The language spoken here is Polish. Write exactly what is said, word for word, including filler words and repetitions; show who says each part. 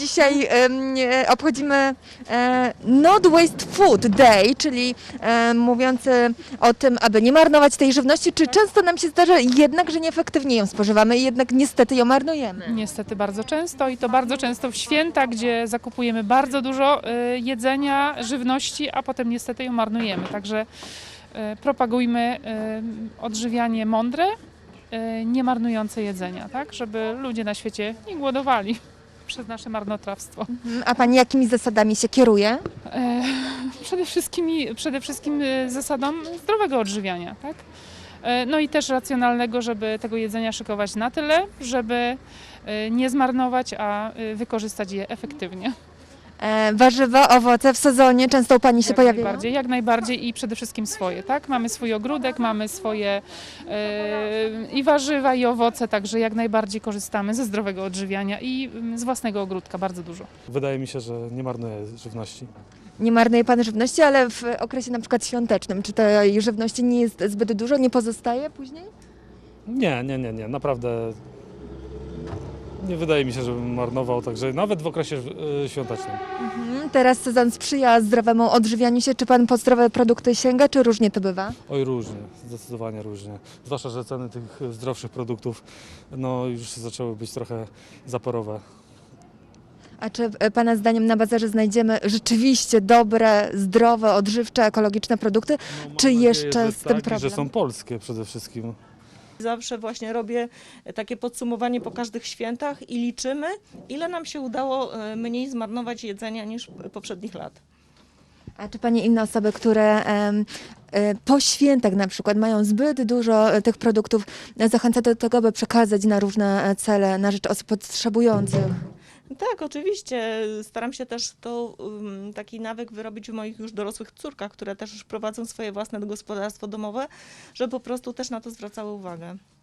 Speaker 1: dzisiaj em, e, obchodzimy e, Not Waste Food Day, czyli e, mówiący o tym, aby nie marnować tej żywności. Czy często nam się zdarza jednak, że nieefektywnie ją spożywamy i jednak niestety ją marnujemy?
Speaker 2: Niestety bardzo często i to bardzo często w święta, gdzie zakupujemy bardzo dużo y, jedzenia, żywności, a potem niestety ją marnujemy. Także y, propagujmy y, odżywianie mądre, y, nie marnujące jedzenia, tak? Żeby ludzie na świecie nie głodowali przez nasze marnotrawstwo.
Speaker 1: Mhm. A Pani jakimi zasadami się kieruje?
Speaker 2: E, przede wszystkim, przede wszystkim y, zasadą zdrowego odżywiania, tak? E, No i też racjonalnego, żeby tego jedzenia szykować na tyle, żeby y, nie zmarnować, a y, wykorzystać je efektywnie.
Speaker 1: E, warzywa, owoce w sezonie często u Pani się
Speaker 2: Jak
Speaker 1: pojawiają?
Speaker 2: najbardziej, jak najbardziej i przede wszystkim swoje, tak? Mamy swój ogródek, mamy swoje e, i warzywa, i owoce, także jak najbardziej korzystamy ze zdrowego odżywiania i mm, z własnego ogródka bardzo dużo.
Speaker 3: Wydaje mi się, że nie marnuję żywności.
Speaker 1: Nie marnuje Pan żywności, ale w okresie na przykład świątecznym, czy tej żywności nie jest zbyt dużo, nie pozostaje później?
Speaker 3: Nie, nie, nie, nie, naprawdę nie wydaje mi się, żebym marnował, także nawet w okresie y, świątecznym.
Speaker 1: Mhm. Teraz sezon sprzyja zdrowemu odżywianiu się. Czy Pan po zdrowe produkty sięga, czy różnie to bywa?
Speaker 3: Oj, różnie, zdecydowanie różnie. Zwłaszcza, że ceny tych zdrowszych produktów no, już zaczęły być trochę zaporowe.
Speaker 1: A czy e, Pana zdaniem na bazarze znajdziemy rzeczywiście dobre, zdrowe, odżywcze, ekologiczne produkty?
Speaker 3: No, mam
Speaker 1: Czy
Speaker 3: nadzieję,
Speaker 1: jeszcze
Speaker 3: że
Speaker 1: z tym
Speaker 3: tak, i
Speaker 1: problem?
Speaker 3: że są polskie przede wszystkim.
Speaker 4: Zawsze właśnie robię takie podsumowanie po każdych świętach i liczymy, ile nam się udało e, mniej zmarnować jedzenia niż poprzednich lat.
Speaker 1: A czy Pani inne osoby, które em, e, po świętach na przykład mają zbyt dużo e, tych produktów, e, zachęca do tego, by przekazać na różne e, cele, na rzecz osób potrzebujących?
Speaker 4: Tak, oczywiście. Staram się też to um, taki nawyk wyrobić w moich już dorosłych córkach, które też już prowadzą swoje własne gospodarstwo domowe, żeby po prostu też na to zwracały uwagę.